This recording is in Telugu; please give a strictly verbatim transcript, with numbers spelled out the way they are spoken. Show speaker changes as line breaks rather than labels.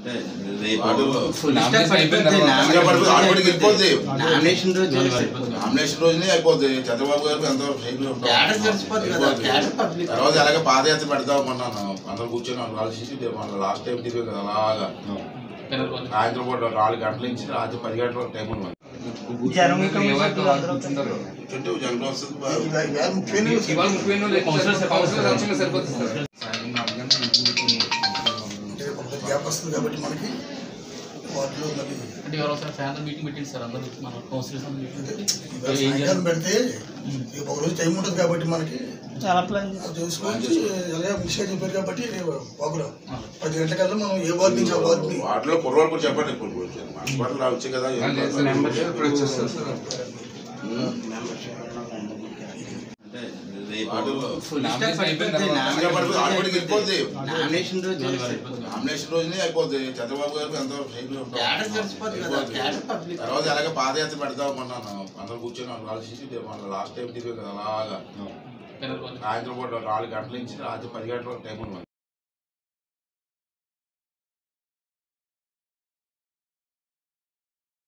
నామినేషన్ రోజునే అయిపోద్ది. చంద్రబాబు గారికి ఎంతో తర్వాత అలాగే పాదయాత్ర పెడతాం అన్నాను. అందరూ కూర్చొని కలిసి మన లాస్ట్ టైం తిరిగి కదా అలాగా సాయంత్రం పూట నాలుగు గంటల నుంచి రాత్రి పది గంటల వరకు టైం ఉంది. జనం వస్తుంది కాబట్టి మనకి వాటిలో అంటే మీటింగ్ పెట్టింది సార్ అందరూ మన కౌన్సిలర్స్ పెడితే ఒక రోజు టైం ఉంటుంది కాబట్టి మనకి చాలా ప్లాన్ చేసుకోవచ్చు. అలాగే విషయం చెప్పారు కాబట్టి ప్రోగ్రామ్ పది గంటలకల్లా మనం ఏ వార్డు నుంచి ఆ వార్డుని వాటిలో కుర్రవాళ్ళు కూడా చెప్పండి. వాటిలో రావచ్చు కదా నామినేషన్ రోజునే అయిపోద్ది. చంద్రబాబు గారికి ఎంతో తర్వాత అలాగే పాదయాత్ర పెడతాం అన్నాను. అందరూ కూర్చొని కలిసి మన లాస్ట్ టైం తిరిగి కదా అలాగా సాయంత్రం పూట నాలుగు గంటల నుంచి రాత్రి పది గంటల వరకు టైం ఉంది.